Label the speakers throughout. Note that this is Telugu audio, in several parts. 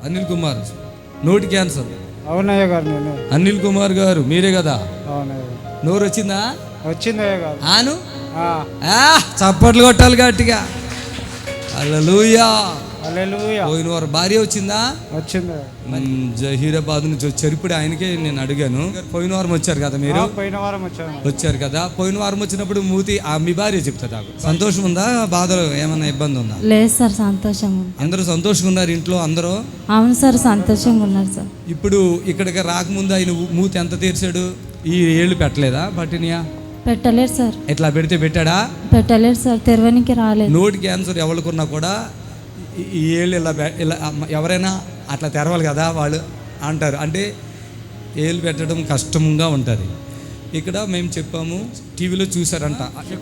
Speaker 1: అనిల్ కుమార్ నోటి క్యాన్సర్.
Speaker 2: అవునయ్య గారు, నేను
Speaker 1: అనిల్ కుమార్ గారు మీరే కదా?
Speaker 2: అవునయ్య.
Speaker 1: నోరు వచ్చిందా?
Speaker 2: వచ్చిందయ్య గారు.
Speaker 1: ఆను చప్పట్లు కొట్టాలి గట్టిగా. హల్లెలూయా.
Speaker 2: హల్లెలూయా.
Speaker 1: పోయిన వారు భార్య వచ్చిందా?
Speaker 2: వచ్చింది.
Speaker 1: జహీరాబాద్ నుంచి వచ్చారు. ఇప్పుడు ఆయనకే నేను అడిగాను, పోయిన వారం వచ్చారు కదా మీరు?
Speaker 2: పోయిన వారం వచ్చాను.
Speaker 1: వచ్చారు కదా. పోయిన వారం వచ్చినప్పుడు మీ భార్య చెప్తా నాకు సంతోషం ఉందా, బాధలు ఏమన్నా ఇబ్బంది ఉందా?
Speaker 3: లేదు సార్, సంతోషంగా ఉంది.
Speaker 1: అందరూ సంతోషంగా ఉన్నారు ఇంట్లో అందరూ?
Speaker 3: అవును సార్, సంతోషంగా ఉన్నారు సార్.
Speaker 1: ఇప్పుడు ఇక్కడికి రాకముందు ఆయన మూతి ఎంత తీర్చాడు? ఈ ఏళ్ళు పెట్టలేదా? పట్టినయా?
Speaker 3: పెట్టలేరు సార్.
Speaker 1: ఎట్లా పెడితే పెట్టాడా?
Speaker 3: పెట్టలేరు సార్, తెరవనికి రాలేదు.
Speaker 1: నోటి క్యాన్సర్ ఎవరికున్నా కూడా ఈ ఏళ్ళు ఇలా ఎవరైనా అట్లా తెరవాలి కదా వాళ్ళు అంటారు. అంటే ఏళ్ళు పెట్టడం కష్టంగా ఉంటుంది. ఇక్కడ మేము చెప్పాము, టీవీలో చూసారంట.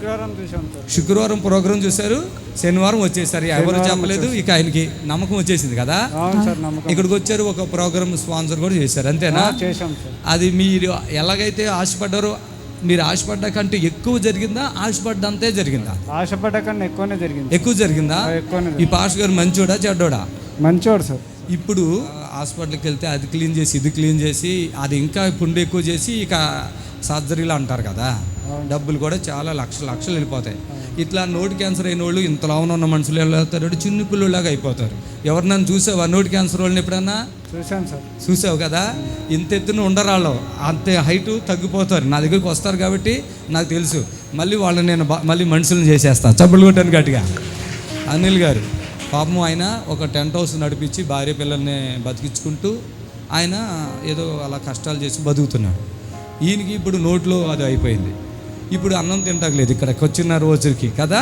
Speaker 1: శుక్రవారం ప్రోగ్రాం చూశారు, శనివారం వచ్చేసారు. ఎవరు చెప్పలేదు, ఇక ఆయనకి నమ్మకం వచ్చేసింది కదా. ఇక్కడికి వచ్చారు, ఒక ప్రోగ్రామ్ స్పాన్సర్ కూడా చేశారు, అంతేనా? అది మీరు ఎలాగైతే ఆశపడ్డారో, మీరు ఆశపడ్డ కంటే ఎక్కువ జరిగిందా, ఆశపడ్డంతే జరిగిందా?
Speaker 2: ఆశపడ్డ కన్నా ఎక్కువనే జరిగింది.
Speaker 1: ఎక్కువ జరిగిందా? ఈ పాస్టర్ గారు మంచోడా చెడ్డోడా?
Speaker 2: మంచోడు సార్.
Speaker 1: ఇప్పుడు హాస్పిటల్కి వెళ్తే అది క్లీన్ చేసి ఇది క్లీన్ చేసి అది ఇంకా పుండు ఎక్కువ చేసి ఇక సర్జరీలు అంటారు కదా, డబ్బులు కూడా చాలా లక్షలు వెళ్ళిపోతాయి. ఇట్లా నోటి క్యాన్సర్ అయిన వాళ్ళు ఇంతలా ఉన్న మనుషులు వెళ్తారు, చిన్న పిల్లలాగా అయిపోతారు. ఎవరినైనా చూసావా నోటి క్యాన్సర్ వాళ్ళని ఎప్పుడన్నా?
Speaker 2: చూసాను సార్.
Speaker 1: చూసావు కదా, ఇంత ఎత్తున ఉండరాళ్ళు, అంతే హైటు తగ్గిపోతారు. నా దగ్గరికి వస్తారు కాబట్టి నాకు తెలుసు. మళ్ళీ వాళ్ళని నేను మళ్ళీ మనుషులను చేసేస్తాను, చప్పులు కొట్టాను గట్టిగా. అనిల్ గారు పాపం ఆయన ఒక టెంట్ హౌస్ నడిపించి భార్య పిల్లల్ని బతికించుకుంటూ ఆయన ఏదో అలా కష్టాలు చేసి బతుకుతున్నాడు. ఈయనకి ఇప్పుడు నోట్లో అది అయిపోయింది. ఇప్పుడు అన్నం తింటలేదు ఇక్కడికి వచ్చిన రోజుకి కదా.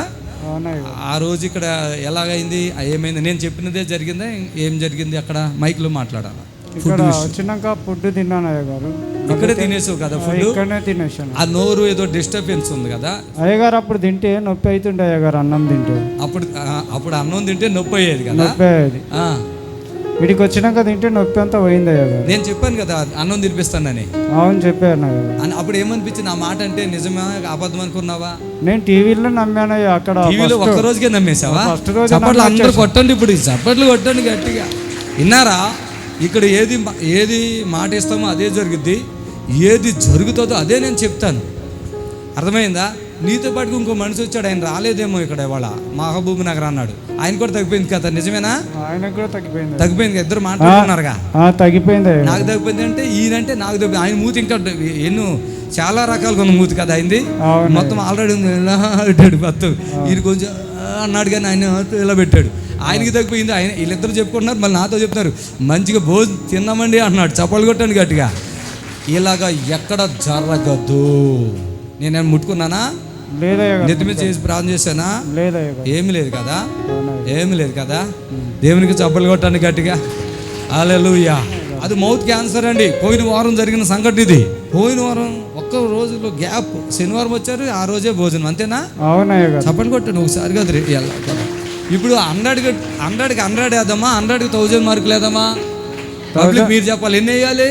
Speaker 1: ఆ రోజు ఇక్కడ ఎలాగైంది, ఏమైంది, నేను చెప్పినదే జరిగిందా, ఏం జరిగింది అక్కడ? మైక్లో మాట్లాడాలి.
Speaker 2: వచ్చినాక ఫుడ్ తిన్నాను అయ్య గారు.
Speaker 1: ఇక్కడే తినేసావు కదా ఫుడ్?
Speaker 2: ఇక్కడనే తినేసాను.
Speaker 1: ఆ నోరు ఏదో డిస్టర్బెన్స్ ఉంది కదా
Speaker 2: అయ్యగారు. అప్పుడు తింటే నొప్పి అవుతుండే అయ్యగారు, అన్నం తింటే.
Speaker 1: అప్పుడు అన్నం తింటే నొప్పి అయ్యేది కదా?
Speaker 2: నొప్పి అయ్యేది. వీడికి వచ్చినాక తింటే నొప్పి అంతా పోయింది అయ్యగారు.
Speaker 1: నేను చెప్పాను కదా అన్నం తినిపిస్తానని.
Speaker 2: అవును చెప్పాను.
Speaker 1: అప్పుడు ఏమనిపించింది ఆ మాట అంటే? నిజమే అబద్ధం అనుకున్నావా?
Speaker 2: నేను టీవీలో నమ్మాను అక్కడ.
Speaker 1: టీవీలో ఒక్క రోజుకే నమ్మేసావా? చప్పట్లు అందరూ కొట్టండి, ఇప్పుడు చప్పట్లు కొట్టండి గట్టిగా. విన్నారా? ఇక్కడ ఏది మాట ఇస్తామో అదే జరుగుద్ది, ఏది జరుగుతుందో అదే నేను చెప్తాను. అర్థమైందా? నీతో పాటుకు ఇంకో మనిషి వచ్చాడు, ఆయన రాలేదేమో ఇక్కడ ఇవాళ, మహబూబ్ నగర్ అన్నాడు. ఆయన కూడా తగ్గిపోయింది కదా, నిజమేనా?
Speaker 2: ఆయనకు కూడా తగ్గిపోయింది.
Speaker 1: తగ్గిపోయింది. ఇద్దరు మాట్లాడుతున్నారుగా.
Speaker 2: తగ్గిపోయింది. నాకు
Speaker 1: తగ్గిపోయింది అంటే ఈయనంటే నాకు తగ్గిపోయింది. ఆయన మూతి ఇంకా ఎన్నో చాలా రకాలుగా ఉన్న మూతి కదా అయింది. మొత్తం ఆల్రెడీ ఉంది, ఇలా పెట్టాడు మొత్తం. ఈయన కొంచెం అన్నాడు కానీ ఆయన ఇలా పెట్టాడు. ఆయనకి తగ్గిపోయింది. ఆయన వీళ్ళిద్దరు చెప్పుకుంటున్నారు, మళ్ళీ నాతో చెప్తున్నారు మంచిగా భోజనం తిన్నామండి అన్నాడు. చప్పలు కొట్టండి గట్టిగా. ఇలాగా ఎక్కడ జరగదు. నేనేం ముట్టుకున్నానా? నెత్తి మీద చేసి ప్రార్థన చేశానా? ఏమి లేదు కదా, ఏమి లేదు కదా. దేవునికి చప్పలు కొట్టండి గట్టిగా. హల్లెలూయా. అది మౌత్ క్యాన్సర్ అండి. పోయిన వారం జరిగిన సంఘటన ఇది. పోయిన వారం ఒక్క రోజులో గ్యాప్, శనివారం వచ్చారు, ఆ రోజే భోజనం, అంతేనా? చప్పలు కొట్టండి ఒకసారి కదా. ఇప్పుడు 100కి 100 వేద్దామా, 100కి 1000 మార్కులు వేద్దామా? పబ్లిక్ మీరు చెప్పాలి, ఎన్ని వేయాలి?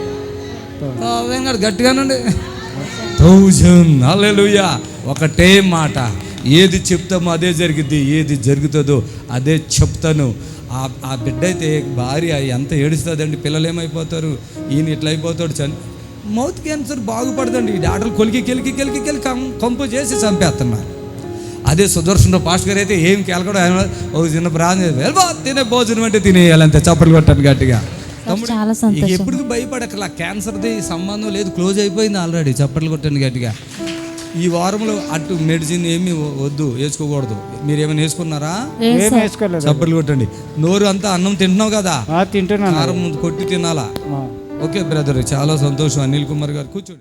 Speaker 1: గట్టిగానండి 1000. హల్లెలూయా. ఒకటే మాట, ఏది చెప్తామో అదే జరిగిద్ది, ఏది జరుగుతుందో అదే చెప్తాను. ఆ బిడ్డ అయితే భార్య ఎంత ఏడుస్తుందండి, పిల్లలు ఏమైపోతారు, ఈయన ఇట్లా అయిపోతాడు. మౌత్ క్యాన్సర్ బాగుపడదండి. ఈ డాక్టర్లు కెలికి కంపు చేసి చంపేస్తున్నారు. అదే సుదర్శన పాస్టర్ గారు అయితే ఏం కేలకడం, ఒక చిన్న ప్రాంతం తినే భోజనం అంటే తినేయాలంతే. చప్పట్లు కొట్టాను గట్టిగా. ఎప్పుడు భయపడకలా, క్యాన్సర్ది సంబంధం లేదు, క్లోజ్ అయిపోయింది ఆల్రెడీ. చప్పట్లు కొట్టాను గట్టిగా. ఈ వారంలో అటు మెడిసిన్ ఏమి వద్దు, వేసుకోకూడదు. మీరు ఏమైనా వేసుకున్నారా? చప్పట్లు కొట్టండి. నోరు అంతా అన్నం తింటున్నావు కదా, కారం కొట్టి తినాలా? ఓకే బ్రదర్, చాలా సంతోషం. అనిల్ కుమార్ గారు కూర్చోండి.